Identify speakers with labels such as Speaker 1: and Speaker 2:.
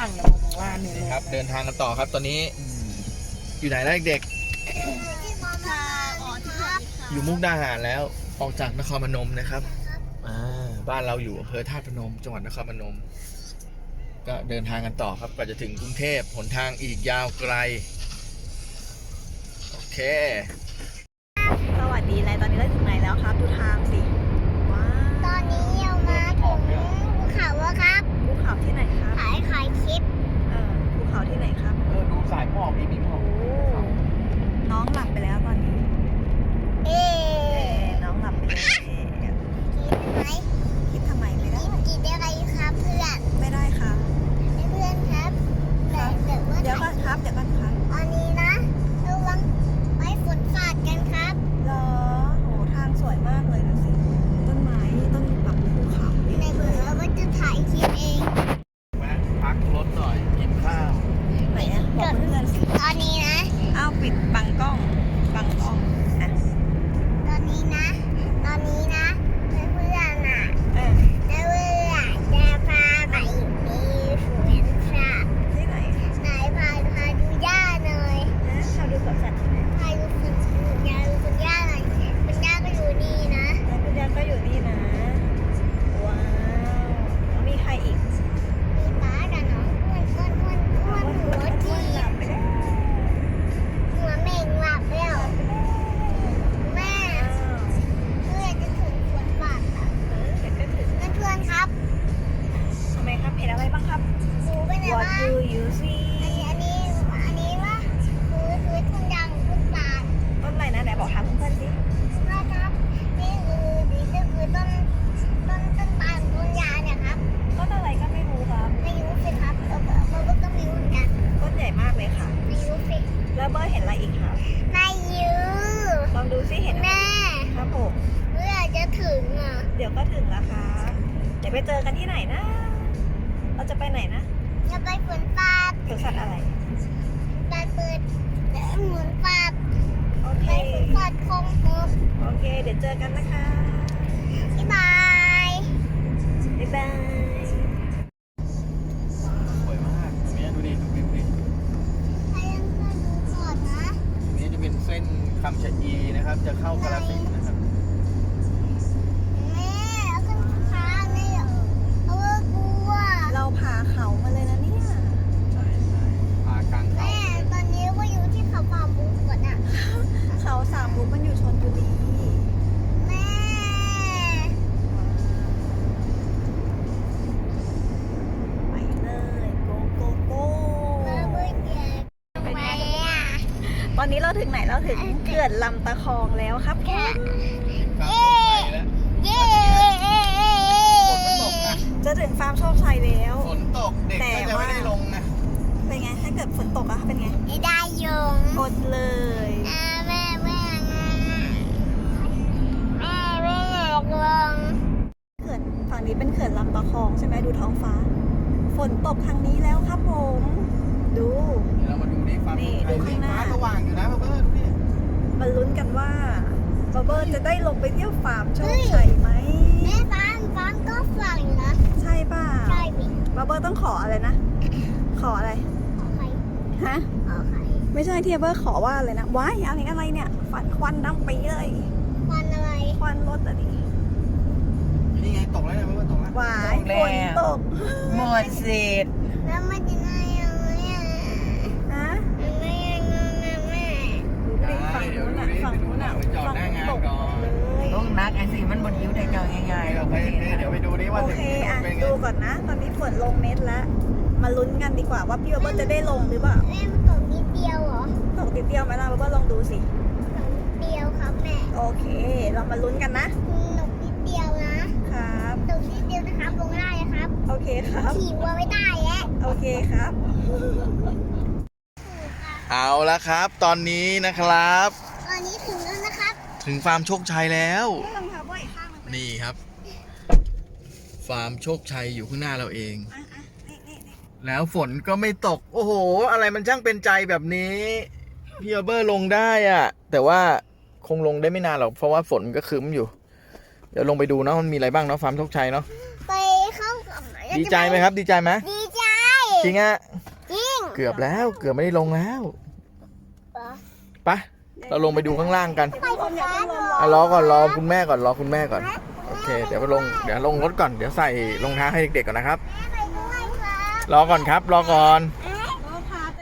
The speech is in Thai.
Speaker 1: างนะบอกว่าเนี่ย
Speaker 2: นี่ครับเดินทางกันต่อครับตอนนี้อยู่ไหนแล้วเด็กๆอยู่มุกดาหารแล้วออกจากนครพนมนะครับบ้านเราอยู่อำเภอธาตุพนมจังหวัดนครพนมก็เดินทางกันต่อครับกว่าจะถึงกรุงเทพหนทางอีกยาวไกลโอเค
Speaker 3: สวัสดีเลยตอนนี้เราถึงไหนแล้วครับดูทางสิว้าว
Speaker 4: ตอนนี้เรามาถึงภูเขาแล้วครับ
Speaker 3: ภูเขาที่ไหนครับ
Speaker 4: ขายคลิป
Speaker 3: ภูเขาที่ไหนครับ
Speaker 2: ดูสายหมอกมีหมอก
Speaker 3: น้องหลับไปแล้วตอนนี้น้องหลับไปแล้วคิดทำไมไม่ได้
Speaker 4: กินได้ไรครับเพื่อน
Speaker 3: ไม่ได้ครับ
Speaker 4: เพื่อนครับ
Speaker 3: เดี๋ยวก่อนครับ
Speaker 4: ตอนนี้นะระวังไม้ฝนสาดกันครับ
Speaker 3: เหรอโหทางสวยมากเลยดูสิต้นไม้ต้นแบบภูเขา
Speaker 4: ในเบอร์เราก็จะถ่ายคลิปเอง
Speaker 2: มาพักรถหน่อยกินข้าว
Speaker 3: ไหนอะบอกเพื่อนสิ
Speaker 4: ตอนนี้นะ
Speaker 3: อ้าวปิดบังกล้องอ่ะ
Speaker 4: ตอนนี้นะเพื่อนน่ะเพื่อนจะพาไปมีสวนสัตว์
Speaker 3: ที่ไหน
Speaker 4: ไหนพาดูย่าหน่อย
Speaker 3: ชาวดูสวนสัตว์ที่ไหน
Speaker 4: พาดูคุณย่าหน่อยคุณย่าก็อยู่นี่นะ
Speaker 3: คุณย่าก็อยู่นี่นะว้าวแล้วมีใครอีก
Speaker 4: มีป้ากับน้องอ้วนหัวจีหัวเม่งหลับแล้วแม่เพื่อนจะถึงสวนสัตว์แล้ว
Speaker 3: เดี๋ยวก็ถึง
Speaker 4: เพื่อนครับ
Speaker 3: ทำไมครับเห็นอะไรบ้างครับ
Speaker 4: ดูไปไหน
Speaker 3: What
Speaker 4: บ้าง
Speaker 3: do you see
Speaker 4: อันนี้ว่าคือต้นยางต้นตาล
Speaker 3: ต้นอะไรนะไหนบอกถามเพื่อนๆสิ
Speaker 4: นะครับนี่คือต้นตาลต้นยาเนี่ยครับ
Speaker 3: ต้นอะไรก็ไม่รู้ครับ
Speaker 4: ไม่รู้สิครับเราก็ไม่รู้เหมือนกัน
Speaker 3: ต้นใหญ่มากเลยค่ะ
Speaker 4: ไม่รู้สิ
Speaker 3: แล้วเบอร์เห็นอะไรอีกครับ
Speaker 4: ไม่รู้
Speaker 3: ลองดูซิเห็นอะไร
Speaker 4: แม่
Speaker 3: ครับผม
Speaker 4: เมื่อจะถึงอ่ะ
Speaker 3: เดี๋ยวก็ถึงแล้วค่ะเดี๋ยวไปเจอกันที่ไหนนะเราจะไปไหนนะ
Speaker 4: จะไปสวนสัตว์
Speaker 3: สวนสัตว์อะไร
Speaker 4: ไปเปิดเหมือนสัตว์
Speaker 3: โอเค
Speaker 4: ไปสวนสัตว์คงคง
Speaker 3: โอเคเดี๋ยวเจอกันนะคะ
Speaker 4: บ๊ายบาย
Speaker 3: บ๊ายบาย
Speaker 2: สวยมากเนี่ยดูดิดูวิวดิ
Speaker 4: ให้เพื่อนดูก่อนนะ
Speaker 2: นี่จะเป็นเส้นคำชะอีนะครับจะเข้ากาฬสินธุ์นะครับ
Speaker 4: แม่ขึ้นค้าเนี่ยเอาว่ากลัว
Speaker 3: เราผ่าเขามาเลยนะเนี่ย
Speaker 2: ใช่ผ่ากลางเขา
Speaker 4: แม่ตอนนี้ว่าอยู่ที่เขาฟาร์มบุกก่อนอ่ะ
Speaker 3: เขาสามมุกมันอยู่ชลบุรี
Speaker 4: แม่
Speaker 3: ไปเลยโก
Speaker 4: แม่เบื่อแม่อ่ะ
Speaker 3: ตอนนี้เราถึงไหนเราถึงเขื่อนลำตะคองแล้วครับ
Speaker 4: เย้
Speaker 3: จะถึงฟาร์มโชคชัยแล้ว
Speaker 2: ฝนตกเด็กก็จะไม่ได้ลงนะ
Speaker 3: เป็นไงถ้าเกิดฝนตกอะเป็นไง
Speaker 4: ไม่ได้ยง
Speaker 3: อดเลย
Speaker 4: แม่อยากลง
Speaker 3: เขื่อนฝั่งนี้เป็นเขื่อนลำตะคองใช่ไหมดูท้องฟ้าฝนตกทางนี้แล้วครับผมดู
Speaker 2: เรามาดูนี่ฟ้าสว่างอยู่นะเพื่อนนี่
Speaker 3: มาลุ้นกันว่าบาเบอร์จะได้ลงไปเที่ยวฟาร์มโชคชัยไหม
Speaker 4: แม่ฟาร์มก็ฝั่งนะ
Speaker 3: ใช่ป่ะ
Speaker 4: ใช่บิ
Speaker 3: บาเบอร์ต้องขออะไรนะขออะไร
Speaker 4: ขอใคร
Speaker 3: ฮะ
Speaker 4: ขอใคร
Speaker 3: ไม่ใช่ที่บาเบอร์ขอว่าอะไรนะว้ายอะไรเนี่ยควันดำไปเลย
Speaker 4: ควันอะไร
Speaker 3: ควันรถอะดิ
Speaker 2: นี่ไงตกแล้วเนี่ยเพื่อนตกแล้ว
Speaker 3: ว้ายฝนตก
Speaker 1: หมดสิทธิ์
Speaker 4: แล้วมันจะได้ยังไง
Speaker 3: ฮะ
Speaker 4: ไม่ยังไงแม่
Speaker 3: ฝั่งนู้นฝั่ง
Speaker 2: จอดหน้างานก่อน
Speaker 1: ต้องนักไอ้สิมันบนยิ้วได้เจ้าง่ายๆ
Speaker 2: เราไปเดี๋ยวไปดูดิว่า
Speaker 3: โอเคอ่ะดูก่อนนะตอนนี้ฝนลงเม็ดแล้วมาลุ้นกันดีกว่าว่าพี่บาเบอร์จะได้ลงหรือเปล่า
Speaker 4: แม่มันตกนิดเดียวเหรอ
Speaker 3: ตกนิดเดียวไหมล่ะบาเบอร์ลองดูสิ
Speaker 4: ตกนิดเดียวครับแม่
Speaker 3: โอเคเรามาลุ้นกันนะ
Speaker 4: ตกนิดเดียวนะครับตกนิดเดียวนะครับลงได้ครับ
Speaker 3: โอเคครับ
Speaker 4: ขี่วัวไม่ได้แล้ว
Speaker 3: โอเคครับ
Speaker 2: เอาละครับตอนนี้นะครับ
Speaker 4: ตอนนี้ถึงแล้วนะครับ
Speaker 2: ถึงฟาร์มโชคชัยแล้วนี่ครับฟาร์มโชคชัยอยู่ข้างหน้าเราเองแล้วฝนก็ไม่ตกโอ้โหอะไรมันช่างเป็นใจแบบนี้พี่เบอร์ลงได้อะแต่ว่าคงลงได้ไม่นานหรอกเพราะว่าฝนก็คืมอยู่เดี๋ยวลงไปดูเนาะมันมีอะไรบ้างเนาะฟาร์มโชคชัยเนาะ
Speaker 4: ไปเข้ากับ
Speaker 2: ดีใจไหมครับดีใจไหม
Speaker 4: ดีใจ
Speaker 2: จริงอะ
Speaker 4: จริง
Speaker 2: เกือบแล้วเกือบไม่ได้ลงแล้ว
Speaker 4: เหรอ
Speaker 2: ไปเราลงไปดูข้างล่างกัน
Speaker 4: ไปกับฟ้าเหรอ
Speaker 2: รอก่อนรอคุณแม่ก่อนรอคุณแม่ก่อนโอเคเดี๋ยวลงรถก่อนเดี๋ยวใส่รองเท้าให้เด็กๆก่อนนะครับ
Speaker 4: ไปด้วยครับ
Speaker 2: รอก่อนครับรอก่อน
Speaker 4: ไ